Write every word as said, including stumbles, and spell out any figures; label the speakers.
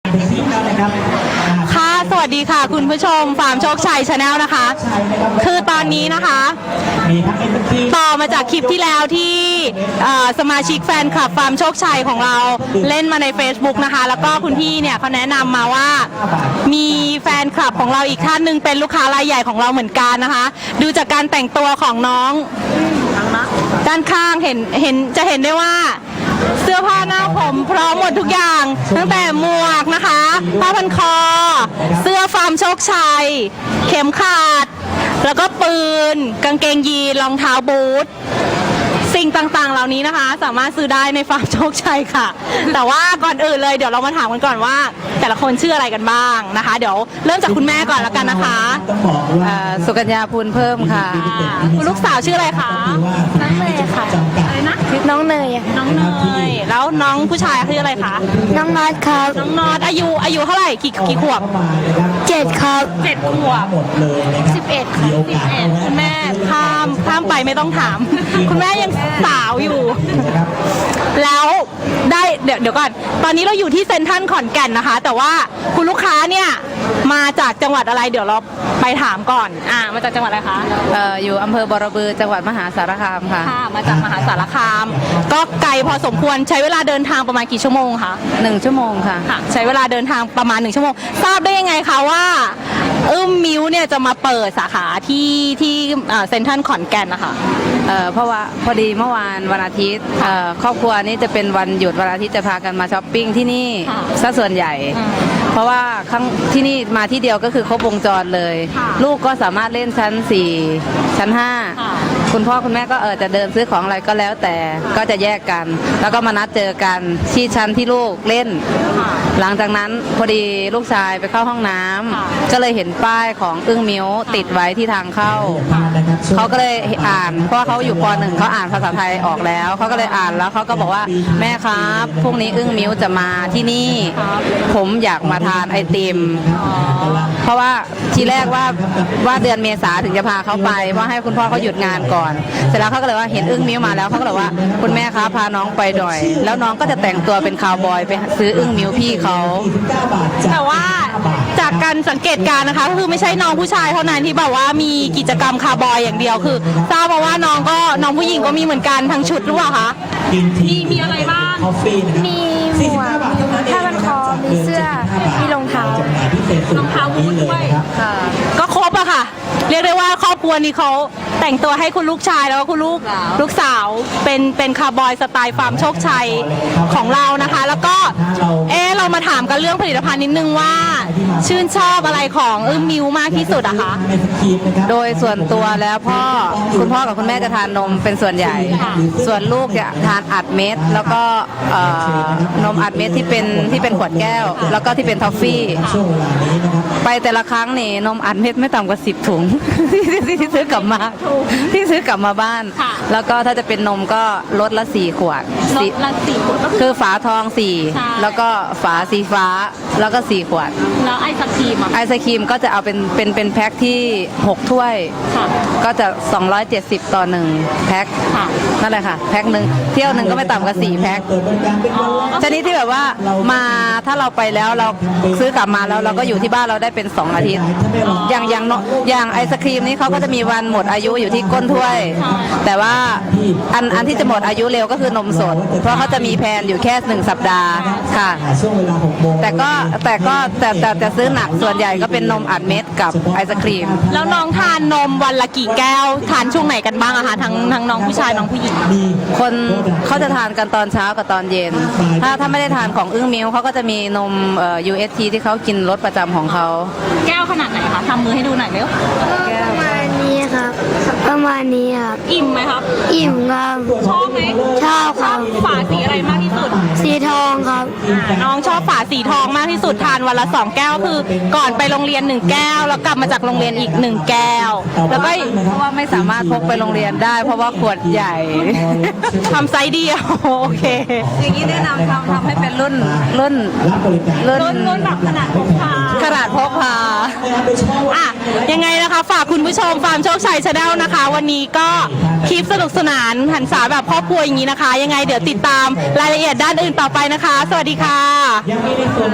Speaker 1: ค่ะสวัสดีค่ะคุณผู้ชมฟาร์มโชคชัยชาแนลนะคะคือตอนนี้นะคะต่อมาจากคลิปที่แล้วที่สมาชิกแฟนคลับฟาร์มโชคชัยของเราเล่นมาใน Facebook นะคะแล้วก็คุณพี่เนี่ยเขาแนะนำมาว่ามีแฟนคลับของเราอีกท่านหนึ่งเป็นลูกค้ารายใหญ่ของเราเหมือนกันนะคะดูจากการแต่งตัวของน้องด้านข้างเห็นเห็นจะเห็นได้ว่าเสื้อผ้าหน้าผมพร้อมหมดทุกอย่างตั้งแต่หมวกนะคะผ้าพันคอเสื้อฟาร์มโชคชัยเข็มขัดแล้วก็ปืนกางเกงยีนรองเท้าบูทสิ่งต่างๆเหล่านี้นะคะสามารถซื้อได้ในฟาร์มโชคชัยค่ะแต่ว่าก่อนอื่นเลยเดี๋ยวเรามาถามกันก่อนว่าแต่ละคนชื่ออะไรกันบ้างนะคะเดี๋ยวเริ่มจากคุณแม่ก่อนแล้วกันนะคะ
Speaker 2: สุกัญญาพูนเพิ่มค่ะ
Speaker 1: คุณลูกสาวชื่ออะไรคะ
Speaker 3: น้องเนยค่ะ
Speaker 1: อะไรนะ
Speaker 3: น้องเนย
Speaker 1: น้องเนยแล้วน้องผู้ชายชื่ออะไรคะ
Speaker 3: น้องน็อตครับ
Speaker 1: น้องน็อตอายุอายุเท่าไหร่กี่กี่ขวบ
Speaker 3: เจ็ดครับ
Speaker 1: เจ็ดขวบ
Speaker 3: สิบเอ็ดค่ะ
Speaker 1: สิบเอ็ดคุณแม่ข้ามข้ามไปไม่ต้องถามคุณแม่ยังสาวอยู่แล้วได้เดี๋ยวเดี๋ยวก่อนตอนนี้เราอยู่ที่เซ็นทรัลขอนแก่นนะคะแต่ว่าคุณลูกค้าเนี่ยมาจากจังหวัดอะไรเดี๋ยวเราไปถามก่อนอ่ามาจากจังหวัดอะไรคะ
Speaker 2: เอ่ออยู่อำเภอบรบือจังหวัดมหาสารคามค่ะ
Speaker 1: ค่ะมาจากมหาสารคามก็ไกลพอสมควรใช้เวลาเดินทางประมาณกี่ชั่วโมงคะ
Speaker 2: หนึ่งชั่วโมงค่ะ
Speaker 1: ค่ะใช้เวลาเดินทางประมาณหนึ่งชั่วโมงทราบได้ยังไงคะว่าอึ้มมิ้วเนี่ยจะมาเปิดสาขาที่ที่เซ็นทรัลขอนแก่นนะคะ
Speaker 2: เอ่อเพราะว่าพอดีเมื่อวานวันอาทิตย์ครอบครัวนี้จะเป็นวันหยุดวันอาทิตย์จะพากันมาช้อปปิ้งที่นี่ซะส่วนใหญ่เพราะว่าครั้งที่นี่มาที่เดียวก็คือครบวงจรเลยลูกก็สามารถเล่นชั้นสี่ชั้นห้าคุณพ่อคุณแม่ก็เออจะเดินซื้อของอะไรก็แล้วแต่ก็จะแยกกันแล้วก็มานัดเจอกันที่ชั้นที่ลูกเล่นหลังจากนั้นพอดีลูกชายไปเข้าห้องน้ำก็เลยเห็นป้ายของอึ้งมิ้วติดไว้ที่ทางเข้าเขาก็เลยอ่านเพราะเขาอยู่ป.หนึ่งเขาอ่านภาษาไทยออกแล้วเขาก็เลยอ่านแล้วเขาก็บอกว่าแม่ครับพรุ่งนี้อึ้งมิ้วจะมาที่นี่ผมอยากมาทานไอติมเพราะว่าทีแรกว่าว่าเดือนเมษาถึงจะพาเขาไปเพราะให้คุณพ่อเขาหยุดงานก่อนเสร็จแล้วเขาก็เลยว่าเห็นอึ้งมิ้วมาแล้วเขาก็เลยว่าคุณแม่ครับพาน้องไปหน่อยแล้วน้องก็จะแต่งตัวเป็นคาวบอยไปซื้ออึ้งมิ้วพี่เขา
Speaker 1: แต่ว่าจากการสังเกตการนะคะก็คือไม่ใช่น้องผู้ชายเท่านั้นที่แบบว่ามีกิจกรรมคาวบอยอย่างเดียวคือทราบมาว่าน้องก็น้องผู้หญิงก็มีเหมือนกันทั้งชุดหรือเปล่าคะมีมีอะไรบ้าง
Speaker 3: มีหมวกผ้าพันคอมีเสื้อมีรองเท้าร
Speaker 1: องเท้าบูทด้วยก็ครบอะค่ะเรียกได้ว่าครอบครัวนี้เขาแต่งตัวให้คุณลูกชายแล้วก็คุณลูกลูกสาวเป็นเป็นคาวบอยสไตล์ฟาร์มโชคชัยของเรานะคะแล้วก็เออเรามาถามกันเรื่องผลิตภัณฑ์นิดนึงว่าชื่นชอบอะไรของอึ้มมิ้วมากที่สุดอะคะ
Speaker 2: โดยส่วนตัวแล้วพ่อคุณพ่อกับคุณแม่จะทานนมเป็นส่วนใหญ่ส่วนลูกจะทานอัดเม็ดแล้วก็นมอัดเม็ดที่เป็นที่เป็นขวดแก้วแล้วก็ที่เป็นทอฟฟี่ไปแต่ละครั้งนี่นมอัดเม็ดไม่ต่ำกว่าสิบถุงที่ซื้อกลับมาที่ซื้อกลับมาบ้านแล้วก็ถ้าจะเป็นนมก็ลดละสี่ขวด
Speaker 1: ลดละสี่ขวด
Speaker 2: คือฝาทองสี่แล้วก็ฝาสีฟ้าแล้วก็สี่ขวด
Speaker 1: แล้วไอศครีม
Speaker 2: ไอศครีมก็จะเอาเป็นเป็นเป็นแพ็คที่หกถ้วยก็จะสองร้อยเจ็ดสิบต่อหนึ่งแพ็คนั่นแหละค่ะแพ็คหนึ่งเที่ยวหนึ่งก็ไม่ต่ำกว่าสี่แพ็คชนิดที่แบบว่ามาถ้าเราไปแล้วเราซื้อกลับมาแล้วเราก็อยู่ที่บ้านเราได้เป็นสองอาทิตย์อย่างอย่างอย่างไอศครีมนี้เขาก็จะมีวันหมดอายุอยู่ที่ก้นถ้วยแต่ว่าอันอันที่จะหมดอายุเร็วก็คือนมสดเพราะเขาจะมีแพนอยู่แค่หนึ่งสัปดาห์ค่ะแต่ก็แต่ก็แต่แต่จะซื้อหนักส่วนใหญ่ก็เป็นนมอัดเม็ดกับไอศครีม
Speaker 1: แล้วน้องทานนมวันละกี่แก้วทานช่วงไหนกันบ้างอะคะทั้งทั้งน้องผู้ชายน้องผู้หญิง
Speaker 2: คนเขาจะทานกันตอนเช้ากับตอนเย็นถ้าถ้าไม่ได้ทานของอึ้งมิ้วเขาก็จะมีนมเอ่อ ยู เอส ที ที่เขากินรสประจำของเขา
Speaker 1: แก้วขนาดไหนคะทำมือให้ดูหน่อยเร็ว
Speaker 3: ประมาณนี้ครับประมาณนี้ครับ
Speaker 1: อิ่มไหมครับ
Speaker 3: อิ่มครับ
Speaker 1: ชอบไหม
Speaker 3: ชอบครับ
Speaker 1: ฝาสีอะไรมากที่สุด
Speaker 3: สีทองครับ
Speaker 1: น้องชอบฝาสีทองมากที่สุดทานวันละสองแก้วคือก่อนไปโรงเรียนหนึ่งแก้วแล้วกลับมาจากโรงเรียนอีกหนึ่งแก้วแล้วก็
Speaker 2: เพราะว่าไม่สามารถพกไปโรงเรียนได้เพราะว่าขวดใหญ่
Speaker 1: ทำไซส์เดียวโอเค
Speaker 2: อย่างนี้แนะนำทำทำให้เป็นรุ่นรุ่น
Speaker 1: รุ่นรุ่นแบบขนาดพกพา
Speaker 2: ขนาดพกพา
Speaker 1: อ่ะยังไงนะคะฝากคุณผู้ชมฟาร์มโชคชัยชาแนลนะคะวันนี้ก็คลิปสนุกสนานหันษาแบบครอบครัวอย่างนี้นะคะยังไงเดี๋ยวติดตามรายละเอียดด้านอื่นต่อไปนะคะสวัสดีค่ะ